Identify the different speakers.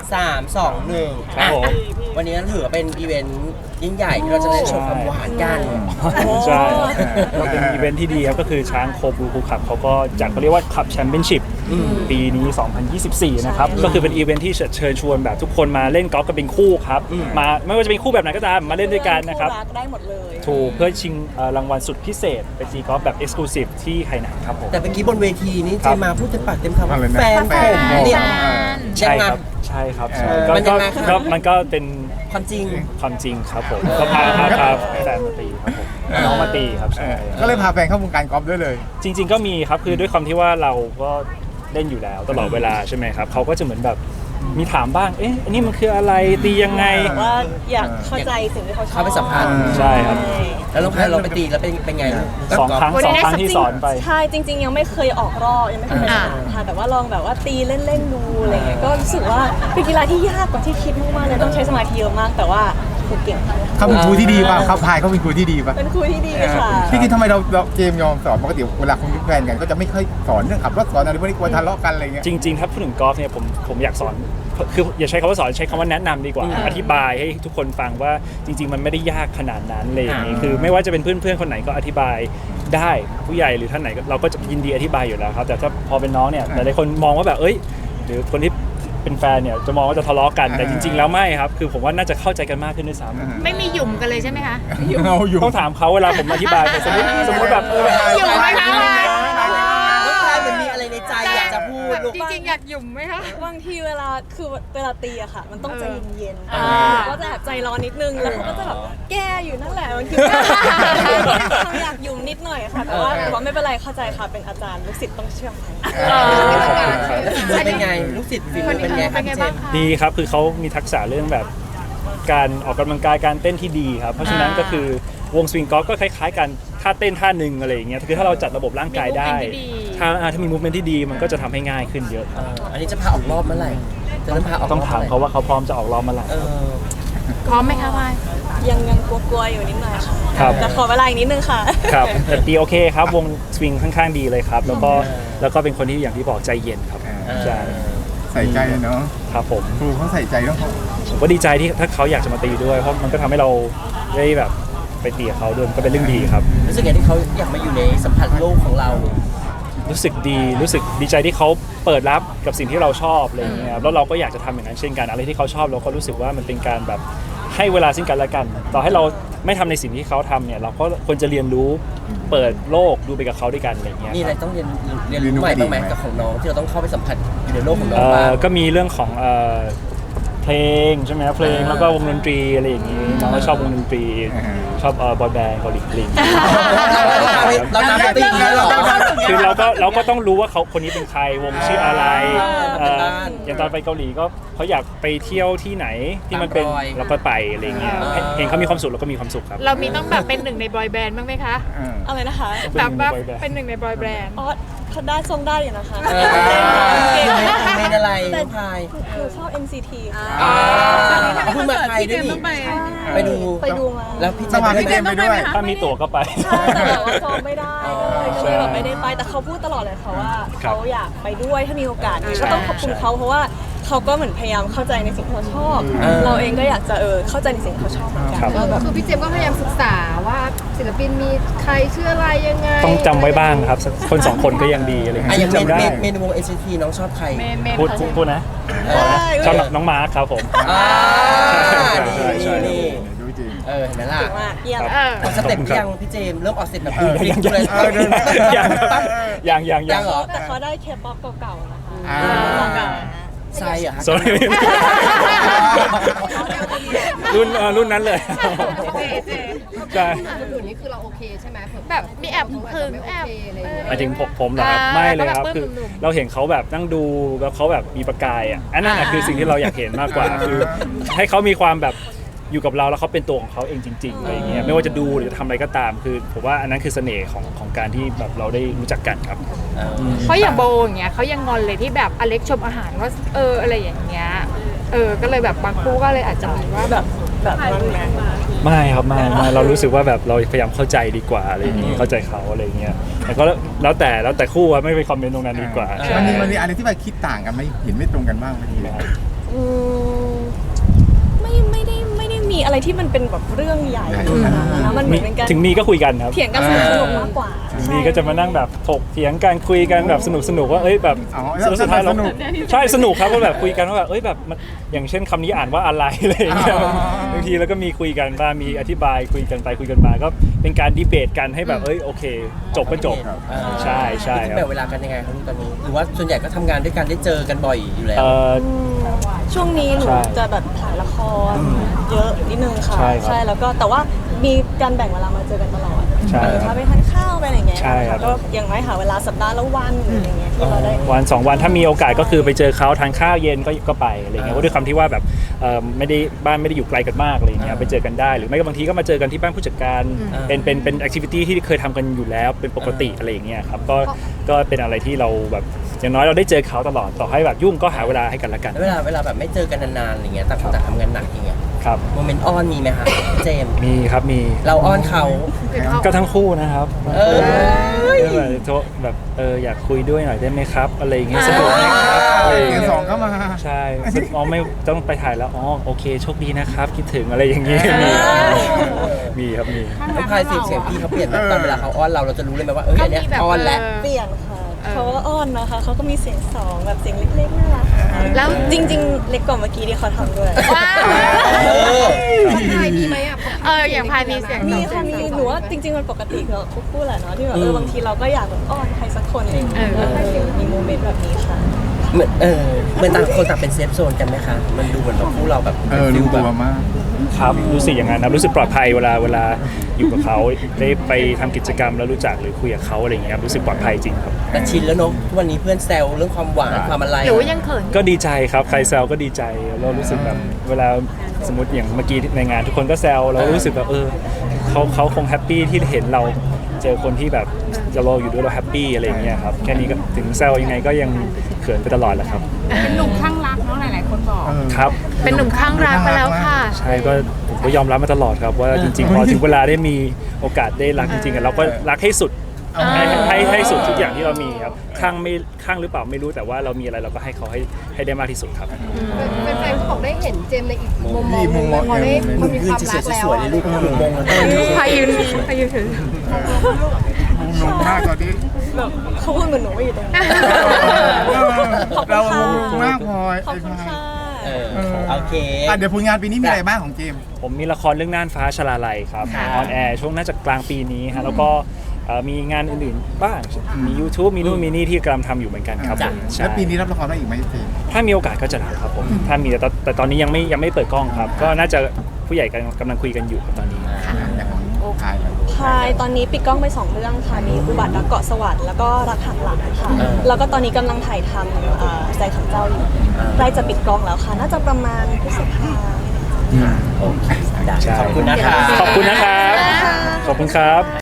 Speaker 1: 3 2 1
Speaker 2: ครับผม
Speaker 1: วันนี้ถือว่าเป็นอีเวนต์ยิ่งใหญ่ที่เราจะได้ชมความหวานกัน
Speaker 2: ใช่ก็เป็นอีเวนท์ที่ดีครับก็คือช้างโคบูคูขับเขาก็จัดเขาเรียกว่าขับแชมเปี้ยนชิพปีนี้ 2024 นะครับก็คือเป็นอีเวนท์ที่เชิญชวนแบบทุกคนมาเล่นกอล์ฟกันเป็นคู่ครับมาไม่ว่าจะเป็นคู่แบบไหนก็ตามมาเล่นด้วยกันนะครับ
Speaker 3: ได้หมดเลย
Speaker 2: ถูกเพื่อชิงรางวัลสุดพิเศษไปตีกอล์ฟแบบเอ็กซ์คลูซีฟที่ไหหนานครับผม
Speaker 1: แต่เมื่อกี้บนเวทีนี้เจมาพูดเต็มปากเต็มคำว่า
Speaker 4: อะไรนะ
Speaker 1: แฟนผมเนี่ย
Speaker 2: ใช่ครับใช่ครับใช่
Speaker 1: มันยังไงครับ
Speaker 2: ก็มันก็เป็น
Speaker 1: ความจริง
Speaker 2: ความจริงครับผมก็พาแฟนมาตีครับผมน้องมาตีครับใช่
Speaker 4: ก็เลยพาแฟนเข้าวงการกอล์ฟด้วยเลย
Speaker 2: จริงๆก็มีครับคือด้วยความที่ว่าเราก็เล่นอยู่แล้วตลอดเวลาใช่ไหมครับเขาก็จะเหมือนแบบมีถามบ้างเอ๊ะอันนี้มันคืออะไรตียังไง
Speaker 3: ว่าอยากเข้าใจสิ่งที่เขาชอบ
Speaker 1: เข้าไปสัมพันธ์
Speaker 2: ใช่ครับ
Speaker 1: แล้วเราไปตีแล้วเป็นไงลูก
Speaker 2: สองครั้งที่สอนไป
Speaker 3: ใช่จริงๆยังไม่เคยออกรอบยังไม่เคยไปสนามค่ะแต่ว่าลองแบบว่าตีเล่นๆดูอะไรเงี้ยก็รู้สึกว่าเป็นกีฬาที่ยากกว่าที่คิดมากๆเลยต้องใช้สมาธิเยอะมาก แต่ว่าคือเก่ง
Speaker 4: เขาเป็นครูที่ดีป่ะเขาพายเขาเป็นครูที่ดีป่ะ
Speaker 3: เป็นครูที่ดีค่ะ
Speaker 4: ที่จริงทำไมเราเจมส์ยอมสอนปกติเวลาคุณเป็นแฟนกันก็จะไม่ค่อยสอนเรื่องขับรถสอนอะไรพวกนี้กลัวทะเลาะกันอะไรเงี้ย
Speaker 2: จริงๆถ้าพูดถึงกอล์ฟเนี่ยผมอยากสอนคืออย่าใช้คำว่าสอนใช้คำว่าแนะนำดีกว่าอธิบายให้ทุกคนฟังว่าจริงๆมันไม่ได้ยากขนาดนั้นเลยอย่างนี้คือไม่ว่าจะเป็นเพื่อนๆคนไหนก็อธิบายได้ผู้ใหญ่หรือท่านไหนเราก็จะยินดีอธิบายอยู่แล้วครับแต่ถ้าพอเป็นน้องเนี่ยหลายๆคนมองว่าแบบเอ้ยหรือคนที่เป็นแฟนเนี่ยจะมองว่าจะทะเลาะกันแต่จริงๆแล้วไม่ครับคือผมว่าน่าจะเข้าใจกันมากขึ้นด้วยซ้ำ
Speaker 5: ไม่มีหยุ่มกันเลยใช่ไหมคะ
Speaker 4: เอาอยู่
Speaker 2: ต้องถามเขาเวลาผมอธิบายไปสมมติแบบ
Speaker 5: หยุ่มไหมคะ
Speaker 1: ลูกชายมันมีอะไรในใจอยากจะพูดลูก
Speaker 5: จริงๆอยากหยุ่มไหมคะ
Speaker 3: บางทีเวลาตีอะค่ะ มันต้องใจเย็น
Speaker 5: อ่า
Speaker 3: ๆก็จะแอบใจร้อนนิดนึงแล้วเขาก็จะแบบแก้อยู่นั่นแหละบางทีทำอยากยุ่มนิดหน่อยค่ะแต่ว่าไม่เป็นไรเข้าใจค่ะเป็นอาจารย์ลูกศิษย์ต้องเชื่อฟัง
Speaker 1: แล้วเป็นไงลูกศิษย์ฝีมือเป็นไงครับเจมส์
Speaker 2: ดีครับคือเขามีทักษะเรื่องแบบการออกกำลังกายการเต้นที่ดีครับเพราะฉะนั้นก็คือวงสวิงกอล์ฟก็คล้ายๆกันท่าเต้นท่าหนึ่งอะไรอย่างเงี้ยคือถ้าเราจัดระบบร่างกายได้ถ้ามีมูฟเมนที่ดีมันก็จะทำให้ง่ายขึ้นเยอะครับ
Speaker 1: อันนี้จะพาออกรอบเมื่อไหร่จะเริ่มพาออกรอบ
Speaker 2: ต้องถามเขาว่าเขาพร้อมจะออกรอบเมื่อไหร่
Speaker 5: พร้อมไหมคะพาย
Speaker 3: ยังกลัวๆอยู่นิดหน่อยค่ะ
Speaker 2: ครับ
Speaker 3: แต่ขอเวลาอีกนิดนึงค่ะ
Speaker 2: ครับแต่ตีโอเคครับวงสวิงค่อนข้างดีเลยครับแล้วก็เป็นคนที่อย่างที่บอกใจเย็นครับใช่
Speaker 4: ใส่ใจเนาะ
Speaker 2: ครับผม
Speaker 4: ครูเขาใส่ใจเรื่องเขา
Speaker 2: ผมก็ดีใจที่ถ้าเขาอยากจะมาตีด้วยเพราะมันก็ทำให้เราได้แบบไปตีกับเขาด้วยมันก็เป็นเรื่องดีครับ
Speaker 1: รู้สึกไงที่เขาอยากมาอยู่ในสัมผัสโลกของเรา
Speaker 2: รู้สึกดีใจที่เขาเปิดรับกับสิ่งที่เราชอบอะไรอย่างเงี้ยครับแล้วเราก็อยากจะทำอย่างนั้นเช่นกันอะไรที่เขาชอบเราก็รู้สึกว่ามันเป็นการแบบให้เวลาซึ่งกันและกัน ต่อให้เราไม่ทำในสิ่งที่เขาทำเนี่ยเราก็ควรจะเรียนรู้เปิดโลกดูไปกับเขาด้วยกันอะไรอย่างเงี้ย
Speaker 1: มีอะไรต้องเรียนรู้ใหม่บ้างไหมกับของน้องที่เราต้องเข้าไปสัมผัสอยู่ในโลกของน้องบ้าง
Speaker 2: ก็มีเรื่องของเพลงใช่ไหมครับเพลงแล้วก็วงดนตรีอะไรอย่างงี้น้องก็ชอบวงดนตรีชอบบอยแบนด์เกาหลีอะไรอย่างงี้
Speaker 1: เราตามไปตีกันหรอ
Speaker 2: คือเราก็ต้องรู้ว่าเขาคนนี้เป็นใครวงชื่ออะไร
Speaker 1: เป็นบ้าน
Speaker 2: อย่างตอนไปเกาหลีก็เขาอยากไปเที่ยวที่ไหนที่มันเป็น
Speaker 1: ตามรอย
Speaker 2: เราก็ไปอะไรอย่างเงี้ยเห็นเขามีความสุขเราก็มีความสุขครับ
Speaker 5: เรามีต้องแบบเป็นหนึ่งในบอยแบนด์บ้างไหมคะ
Speaker 3: อะไรนะคะ
Speaker 5: แบบว่าเป็นหนึ่งในบอยแบนด์
Speaker 3: อ๋อเขาได้ทรงได้อยู่นะคะ
Speaker 1: เมนอะไรน้องพาย
Speaker 3: หนูชอบ NCT ค่ะ
Speaker 1: เพิ่งมาไทยด้วยนี่ไปดู
Speaker 3: ไปดูมา
Speaker 1: แล้วพี่เจ
Speaker 4: ส
Speaker 1: ม
Speaker 4: มัคร
Speaker 1: ส์
Speaker 4: พี่เจมส์ไปด้วย
Speaker 2: ถ้ามีตั๋วก็ไป
Speaker 3: ใช่แต่แบบว่าซ้อมไม่ได้เลยก็เลยแบบไม่ได้ไปแต่เขาพูดตลอดเลยค่ะว่า
Speaker 2: ครับ
Speaker 3: เขาอยากไปด้วยถ้ามีโอกาสก็ต้องขอบคุณเขาเพราะว่าเขาก็เหมือนพยายามเข้าใจในสิ่งที่เราชอบ เราเองก็อยากจะเข้าใจในสิ่งที่เขาชอบเหมือนกัน
Speaker 2: ครับ
Speaker 3: ก็แบบ
Speaker 6: คือพี่เจมส์ก็พยายามศึกษาว่าศิลปินมีใครชื่ออะไรยังไง
Speaker 2: ต้องจำไว้บ้างครับสักคนสองคนก็ยังดีอะไรอย่าง
Speaker 1: อ่ะ
Speaker 2: เงี้
Speaker 1: อย่าง
Speaker 2: ยจำได้
Speaker 1: เมนวง NCT น้องชอบใคร
Speaker 2: พูดนะชอบน้องมาร์คครับผม ใช่
Speaker 1: นี่
Speaker 4: ดูจริง
Speaker 1: เห็นไหมล่ะ
Speaker 3: เก่งมากเยี่ยม
Speaker 5: เออ
Speaker 1: ออกสเต็ปยังพี่เจมส์เริ่มออกสเต็ปแบบ
Speaker 2: ยัง
Speaker 1: เหรอ
Speaker 3: แต่เขาได้เคป๊อปเก่าๆนะคะ
Speaker 4: อ่า
Speaker 1: ใช่เหรอฮะ
Speaker 2: sorry รุ่นนั้นเลยใช่
Speaker 6: คนอื่นนี่คือเราโอเคใช่ไหม
Speaker 5: แบบมีแอบหึงแอบ
Speaker 2: หมายถึงผมเหรอครับไม่เลยครับคือเราเห็นเขาแบบนั่งดูแล้วเขาแบบมีประกายอ่ะอันนั้นน่ะคือสิ่งที่เราอยากเห็นมากกว่าคือให้เขามีความแบบอยู่กับเราแล้วเขาเป็นตัวของเขาเองจริงๆอะไรอย่างเงี้ยไม่ว่าจะดูหรือจะทำอะไรก็ตามคือผมว่าอันนั้นคือเสน่ห์ของการที่แบบเราได้รู้จักกันครับ
Speaker 5: เพราะอย่างโบอย่างเงี้ยเขายังงอนเลยที่แบบอเล็กชมอาหารว่าอะไรอย่างเงี้ยก็เลยแบบบางคู่ก็เลยอาจจะมีว่าแบบ
Speaker 3: นั้นไหม
Speaker 2: ไม่ครับไม่เรารู้สึกว่าแบบเราพยายามเข้าใจดีกว่าอะไรอย่างงี้เข้าใจเขาอะไรอย่างเงี้ยแต่ก็แล้วแต่คู่อะไม่ไปคอมเมนต์ตรงนั้นดีกว่า
Speaker 4: มันมีอะไรที่ไปคิดต่างกันไหมเห็นไม่ตรงกันบ้างบางที
Speaker 3: อืมที่มันเป็นแบบเรื่องใหญ่ขนาดนั้นนะมันเหมือนเป็นการ
Speaker 2: ถึงมีก็คุยกันครับ
Speaker 3: เถียงกันสนุกๆมากกว่า
Speaker 2: ถึงมีก็จะมานั่งแบบถกเถียงกันคุยกันแบบสนุกว่าเอ้ยแบบ
Speaker 4: อ๋อ
Speaker 2: สุดท้ายเรา
Speaker 4: สนุก
Speaker 2: ใช่สนุกครับก็แบบคุยกันว่าแบบเอ้ยแบบมันอย่างเช่นคำนี้อ่านว่าอะไรอะไรอย่างเงี้ย
Speaker 4: อ๋อ
Speaker 2: บางทีแล้วก็มีคุยกันบ้างมีอธิบายคุยกันไปคุยกันมาก็เป็นการดีเบตกันให้แบบเอ้ยโอเค จบก็จบ ใช่ใช่ค
Speaker 1: แบ่
Speaker 2: รับ
Speaker 1: งเวลากันยังไงครับตอนนี้หรือว่าส่วนใหญ่ก็ทำงานด้วยกันได้เจอกันบ่อยอยู่แล้ว
Speaker 3: ช่วงนี้หนู
Speaker 2: ใช่
Speaker 3: จะแบบถ่ายละครเยอะนิดนึงค่ะ
Speaker 2: ใช่ครับ
Speaker 3: แล้วก็แต่ว่ามีการแบ่งเวลามาเจอกันตลอด
Speaker 2: ใช่ครับ
Speaker 3: พาไปทานข้าวไปอะไรอย่างเงี้ย
Speaker 2: ใช่ครับ
Speaker 3: ก็ยังไม่หาเวลาสัปดาห์ละวันหรืออะไรเงี้ยที่เราได้
Speaker 2: วันสองวันถ้ามีโอกาสก็คือไปเจอเขาทานข้าวเย็นก็ไปอะไรเงี้ยเพราะด้วยความที่ว่าแบบไม่ได้บ้านไม่ได้อยู่ไกลกันมากอะไรเงี้ยไปเจอกันได้หรือไม่ก็บางทีก็มาเจอกันที่บ้านผู้จัดการเป็นแอคทิวิตี้ที่เคยทำกันอยู่แล้วเป็นปกติอะไรอย่างเงี้ยครับก็เป็นอะไรที่เราแบบอย่างน้อยเราได้เจอเขาตลอดต่อให้แบบยุ่งก็หาเวลาให้กันละกัน
Speaker 1: แล้วเวลาแบบไม่เจอกันนานๆอะไรเงี้ยต่างคนต่างทำงานหนักอย่างเงี้ย
Speaker 2: ครับ
Speaker 1: โมเมนต์อ้อนมีไหมคะเจมส์
Speaker 2: มีครับมี
Speaker 1: เราอ้อนเขา
Speaker 2: ก็ทั้งคู่นะครับ
Speaker 1: เออ
Speaker 2: แบบโทรแบบอยากคุยด้วยหน่อยได้ไหมครับอะไรอย่างเงี้ยสะดวกไหมครับอะไรอย่าง
Speaker 4: เสีย
Speaker 2: เงี้
Speaker 4: ง
Speaker 2: ย
Speaker 4: สองเข้ามา
Speaker 2: ใช่ซึ่งไม่ต้องไปถ่ายแล้วอ๋อโอเคโชคดีนะครับคิดถึงอะไรอย่างเงี้ยมีครับมี
Speaker 1: ต้องพายเสียงพี่เขาเปลี่ยนไหมตอนเวลาเขาอ้อนเราจะรู้เลยไหมว่าเอออันเนี้ยอ้อนแล้ว
Speaker 3: เปลี่ยนค่ะเขาก็อ้อนนะคะเขาก็มีเสียงสองแบบเสียงเล็กๆน่ารัก
Speaker 5: แล้ว
Speaker 3: จริง ๆ เล็กกว่าเมื่อกี้ที่เขาทำด้วย
Speaker 5: ว้าว
Speaker 6: ของไทยมีไหมอ่ะ
Speaker 5: อย่างพามีเสียง
Speaker 3: มีค่ะมีหนูว่าจริงๆมันปกติกับทุกคู่แหละเนาะที่แบบบางทีเราก็อยากแบบอ้อนใครสักคนอะไรอย่างเงี้ยแล้วมีโมเมนต์แบบนี้ค่ะ
Speaker 1: เหมือนต่างคนต่างเป็นเซฟโซนกันไหมคะมันดูเหมือนแบบคู่เราแบบ
Speaker 4: รู้
Speaker 1: แบ
Speaker 4: ตัว
Speaker 1: บ
Speaker 4: มาก
Speaker 2: ครับรู้สึกอย่างนั้นนะรู้สึกปลอดภัยเวลาอยู่กับเขาได้ไปทำกิจกรรมแล้วรู้จักหรือคุยกับเขาอะไรอย่างเงี้ยครับรู้สึกปลอดภัยจริงครับ
Speaker 1: แต่ชินแล้วเนอะทุกวันนี้เพื่อนแซวเรื่องความหวานความอะไร
Speaker 5: หรือว่ายังเขิน
Speaker 2: ก็ดีใจครับใครแซวก็ดีใจเรารู้สึกแบบเวลาสมมติอย่างเมื่อกี้ในงานทุกคนก็แซวเรารู้สึกแบบเขาคงแฮปปี้ที่เห็นเราเจอคนที่แบบเราอยู่ด้วยเราแฮปปี้อะไรอย่างเงี้ยครับแค่นี้ก็ถึงแซวยังไงก็ยังเขินไปตลอดแหละครับ
Speaker 6: เป็นหนุ่มข้างรักเนาะหลายๆคนบอก
Speaker 2: ครับ
Speaker 5: เป็นหนุ่มข้างรักไปแล้วค่ะ
Speaker 2: ใช่ก็ผมก็ยอมรับมาตลอดครับว่าจริงๆพอถึงเวลาได้มีโอกาสได้รักจริงๆเราก็รักให้สุดให้สุดทุกอย่างที่เรามีครับข้างหรือเปล่าไม่รู้แต่ว่าเรามีอะไรเราก็ให้เขาให้ได้มากที่สุดครับ
Speaker 6: เป็นแฟนๆบอกได้เห็นเจมส์ในอีกมุมมอง
Speaker 4: อีกมุมมอง
Speaker 6: พอได้คนมี
Speaker 1: ยื
Speaker 6: คน วาม
Speaker 1: จะ
Speaker 6: รักแล้ว
Speaker 1: สวยๆเลยลูกหนุ่มมงแล้ว
Speaker 5: พายืนถือ
Speaker 4: หนุ่มมากตอนนี้
Speaker 3: แบบเขาพูดเหมือนหนูไม่อยู่ตรงนี้ ขอบคุณ
Speaker 4: เรา
Speaker 3: ค่ะ
Speaker 4: หนุ่มมากพลอย
Speaker 3: ขอบคุณค่ะ
Speaker 1: โอเค
Speaker 4: เดี๋ยวผลงานปีนี้มีอะไรบ้างของเจมส์
Speaker 2: ผมมีละครเรื่องน่านฟ้าชลาลัยครับออนแอร์ช่วงน่าจะกลางปีนี้ฮะแล้วก็มีงานอื่นๆบ้างมี YouTube มีนู่นมีนี่ที่กำลังทำอยู่เหมือนกันครับผมใช่
Speaker 4: แล้วปีนี้รับละครได้อีกไหมเจมส์
Speaker 2: ถ้ามีโอกาสก็จะรับครับผมถ้ามีแต่ตอนนี้ยังไม่เปิดกล้องครับ ก็น่าจะผู้ใหญ่กำลังคุยกันอยู่ครับตอนนี้
Speaker 4: อย่างของไทยครับ
Speaker 3: พายตอนนี้ปิดกล้องไป 2 เรื่องค่ะ มีอุบัติรักเกาะสวรรค์แล้วก็รักหักหลังค่ะ แล้วก็ตอนนี้กำลังถ่ายทำใจขังเจ้าอยู่ใกล้จะปิดกล้องแล้วค่ะ น่าจะประมาณพฤษภา
Speaker 1: โอเคได้ขอบคุณนะคะ
Speaker 2: ขอบคุณนะครับขอบคุณครับ